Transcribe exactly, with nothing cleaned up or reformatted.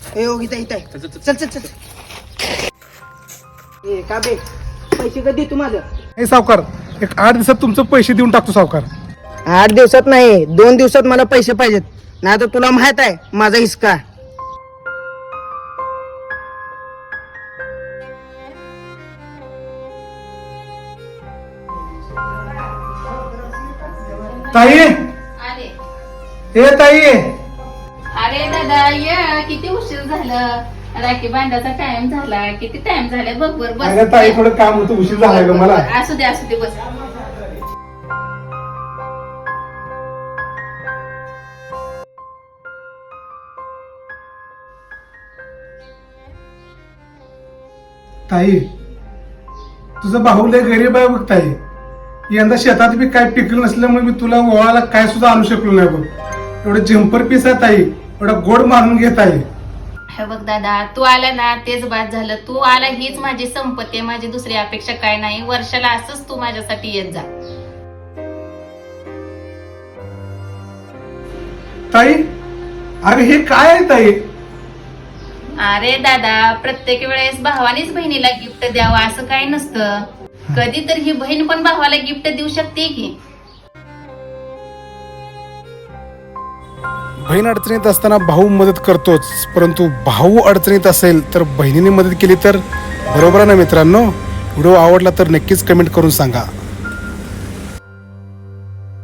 ए हो इथं इथं चल चल चल ए का बे पैसे कधी तू माझं हे सावकार एक आठ दिवसात तुमचं पैसे देऊन टाकतो सावकार। आठ दिवसात नाही दोन दिवसात मला पैसे पाहिजेत, नाही तर तुला माहित आहे माझा हिसका। ताई आले हे ताई अरे दादा या किती उशीर झालं, राखी बांधाचा टाइम झाला, किती टाइम झाला बघ बर बस। अगं ताई थोडं काम होतं उशीर झालाय ग मला। असू दे असू दे बस। ताई तुझा भाऊ लय गरीब आहे बघ ताई, यंदा शेतात बी काय पिकलं नसल्यामुळे मी तुला ओळाला काय सुद्धा आणू शकलो नाही बघ। एवढं जम्पर पीस आहे ताई, एवढा गोड मारून घेत आहे। हे बघ दादा तू आला ना तेच बाद झालं, तू आला हीच माझी संपत्ती आहे, माझी दुसरी अपेक्षा काय नाही। वर्षाला असंच तू माझ्यासाठी येत जा। ताई अरे हे काय आहे ताई? अरे दादा प्रत्येक वेळेस भावानेच बहिणीला गिफ्ट द्यावं असं काय नसतं, कधी तर ही बहीण पण भावाला गिफ्ट देऊ शकते की। बहीण अडचणीत असताना भाऊ मदत करतोच, परंतु भाऊ अडचणीत असेल तर बहिणीने मदत केली तर बरोबर आहे ना मित्रांनो। व्हिडिओ आवडला तर नक्कीच कमेंट करून सांगा।